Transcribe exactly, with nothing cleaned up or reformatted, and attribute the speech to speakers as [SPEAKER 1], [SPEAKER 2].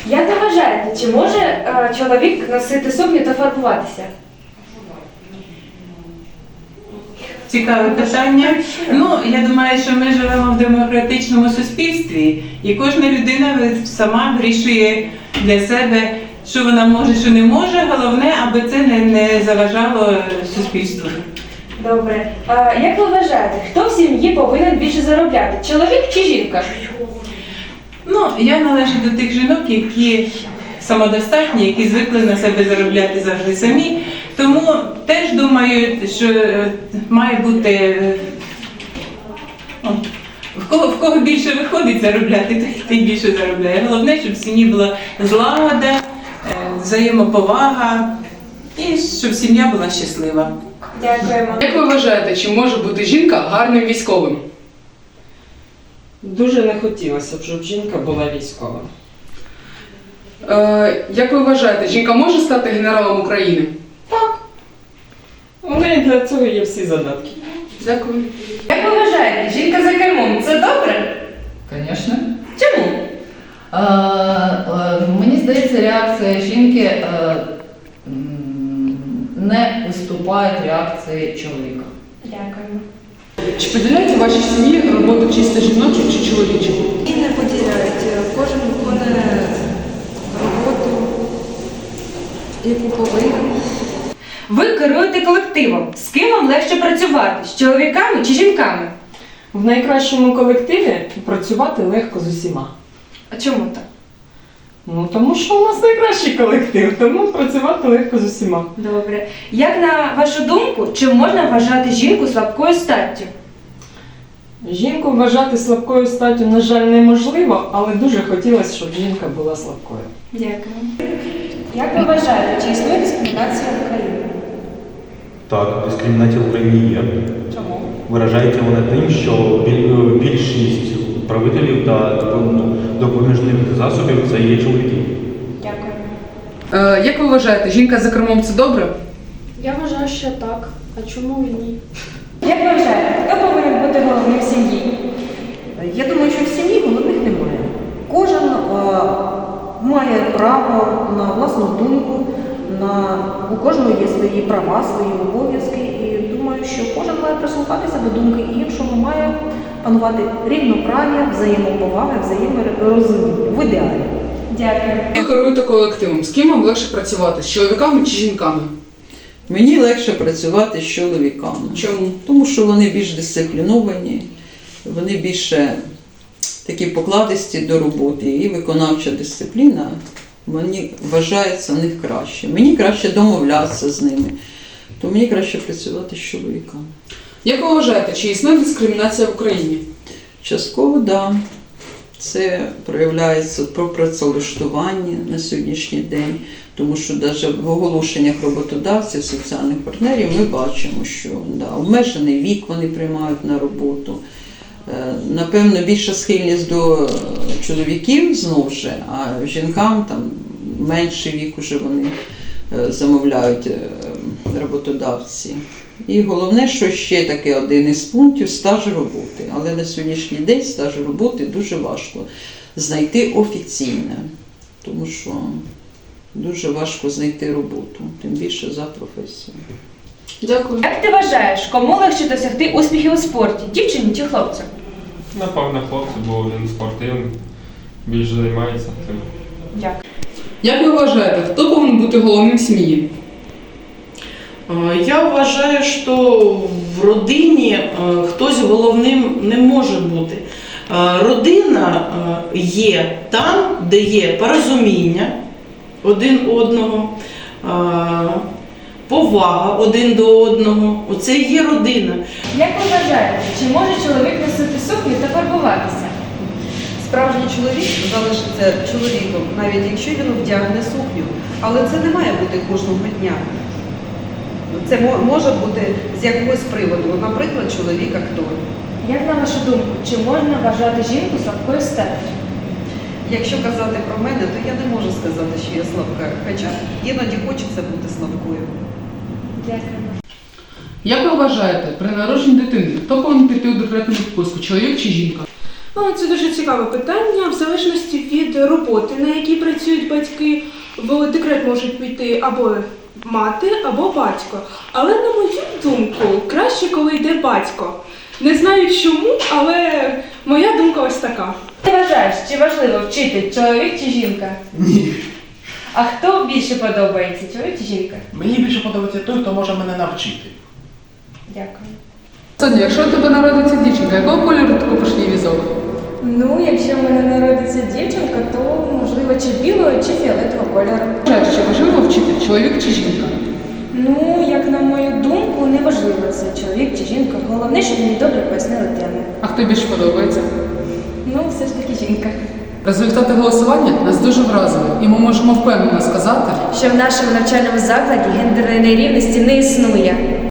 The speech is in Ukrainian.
[SPEAKER 1] Як ви вважаєте, чи може е, чоловік носити сукню та фарбуватися?
[SPEAKER 2] Цікаве питання. Ну, я думаю, що ми живемо в демократичному суспільстві, і кожна людина сама вирішує для себе, що вона може, що не може. Головне, аби це не, не заважало суспільству.
[SPEAKER 1] Добре. А як ви вважаєте, хто в сім'ї повинен більше заробляти? Чоловік чи жінка?
[SPEAKER 2] Ну, я належу до тих жінок, які самодостатні, які звикли на себе заробляти завжди самі. Тому теж думаю, що має бути, о, в кого, в кого більше виходить заробляти, той більше заробляє. Головне, щоб в сім'ї була злагода, взаємоповага і щоб сім'я була щаслива.
[SPEAKER 1] Дякуємо.
[SPEAKER 3] Як ви вважаєте, чи може бути жінка гарним військовим?
[SPEAKER 4] Дуже не хотілося б, щоб жінка була військова.
[SPEAKER 3] Е, як ви вважаєте, жінка може стати генералом України?
[SPEAKER 4] Так. У неї для цього є всі задатки.
[SPEAKER 3] Дякую.
[SPEAKER 1] Як ви вважаєте, жінка за кермом – це добре?
[SPEAKER 5] Звісно.
[SPEAKER 1] Чому?
[SPEAKER 5] Е, е, мені здається, реакція жінки е, м, не уступає реакції чоловіка.
[SPEAKER 1] Дякуємо.
[SPEAKER 3] Чи поділяєте в вашій сім'ї роботу чисто жіночу чи чоловічу?
[SPEAKER 6] І не поділяють. Кожен виконує роботу, яку повинен.
[SPEAKER 1] Ви керуєте колективом. З ким вам легше працювати? З чоловіками чи жінками?
[SPEAKER 4] В найкращому колективі працювати легко з усіма.
[SPEAKER 1] А чому так?
[SPEAKER 4] Ну, тому що у нас найкращий колектив, тому працювати легко з усіма.
[SPEAKER 1] Добре. Як на вашу думку, чи можна вважати жінку слабкою статтю?
[SPEAKER 4] Жінку вважати слабкою статтю, на жаль, неможливо, але дуже хотілося, щоб жінка була слабкою.
[SPEAKER 1] Дякую. Як ви вважаєте, чи існує дискримінація в Україні?
[SPEAKER 7] Так, дискримінація в Україні є.
[SPEAKER 1] Чому?
[SPEAKER 7] Виражається вона тим, що біль- більшість правителів та ну, допоміжних засобів це є чоловіки.
[SPEAKER 1] Дякую.
[SPEAKER 3] Е, як ви вважаєте, жінка за кермом це добре?
[SPEAKER 8] Я вважаю, що так. А чому і ні?
[SPEAKER 1] Як ви вважаєте, хто повинен бути головним в сім'ї?
[SPEAKER 6] Я думаю, що в сім'ї головних немає. Кожен е, має право на власну думку, на, у кожного є свої права, свої обов'язки. І думаю, що кожен має прислухатися до думки іншого, має панувати рівноправ'я, взаємоповага, взаєморозуміння. В ідеалі.
[SPEAKER 1] Дякую.
[SPEAKER 3] Ви керуєте колективом. З ким вам легше працювати? З чоловіками чи жінками?
[SPEAKER 9] Мені легше працювати з чоловіками.
[SPEAKER 3] Чому?
[SPEAKER 9] Тому що вони більш дисципліновані, вони більше такі покладисті до роботи. І виконавча дисципліна, мені вважається в них краще. Мені краще домовлятися з ними. То мені краще працювати з чоловіками.
[SPEAKER 3] Як ви вважаєте, чи існує дискримінація в Україні?
[SPEAKER 9] Частково, так. Да. Це проявляється про працевлаштування на сьогоднішній день, тому що навіть в оголошеннях роботодавців, соціальних партнерів ми бачимо, що да, обмежений вік вони приймають на роботу. Напевно, більша схильність до чоловіків знову ж, а жінкам там менший вік уже вони замовляють роботодавці. І головне, що ще таке один із пунктів – стаж роботи. Але на сьогоднішній день стаж роботи дуже важко знайти офіційне, тому що дуже важко знайти роботу, тим більше за професією.
[SPEAKER 3] Дякую.
[SPEAKER 1] Як ти вважаєш, кому легше досягти успіхів у спорті? Дівчині чи хлопцю?
[SPEAKER 10] Напевно, хлопці, бо він спортивний, більше займається тим.
[SPEAKER 1] Дякую.
[SPEAKER 3] Як ви вважаєте, хто повинен бути головним в сім'ї?
[SPEAKER 11] Я вважаю, що в родині хтось головним не може бути. Родина є там, де є порозуміння один одного, повага один до одного. Оце і є родина.
[SPEAKER 1] Як ви вважаєте, чи може чоловік носити сукню та фарбуватися?
[SPEAKER 6] Справжній чоловік залишиться чоловіком, навіть якщо він вдягне сукню. Але це не має бути кожного дня. Це може бути з якогось приводу. Наприклад, чоловік-актор.
[SPEAKER 1] Як на вашу думку, чи можна вважати жінку слабкою статтю?
[SPEAKER 6] Якщо казати про мене, то я не можу сказати, що я слабка. Хоча іноді хочеться бути слабкою.
[SPEAKER 1] Дякую.
[SPEAKER 3] Як ви вважаєте, при народженні дитини, хто повинен піти у декретну відпустку, чоловік чи жінка?
[SPEAKER 8] Ну, це дуже цікаве питання. В залежності від роботи, на якій працюють батьки, в декрет можуть піти або мати, або батько. Але, на мою думку, краще, коли йде батько. Не знаю чому, але моя думка ось така.
[SPEAKER 1] Ти вважаєш, чи важливо вчити чоловік чи жінка?
[SPEAKER 12] Ні.
[SPEAKER 1] А хто більше подобається, чоловік чи жінка?
[SPEAKER 12] Мені більше подобається той, хто може мене навчити.
[SPEAKER 1] Дякую.
[SPEAKER 3] Соня, якщо у тебе народиться дівчинка, якого кольору ти купиш їй візок?
[SPEAKER 1] Ну, якщо в мене народиться дівчинка, то можливо чи білого, чи фіолетового кольору.
[SPEAKER 3] Вважаєш, чи важливо вчити, чоловік чи жінка?
[SPEAKER 1] Ну, як на мою думку, не важливо це чоловік чи жінка. Головне, щоб мені добре пояснили тему.
[SPEAKER 3] А хто більше подобається?
[SPEAKER 1] Ну, все ж таки жінка.
[SPEAKER 3] Результати голосування нас дуже вразили, і ми можемо впевнено сказати,
[SPEAKER 1] Що в нашому навчальному закладі гендерної нерівності не існує.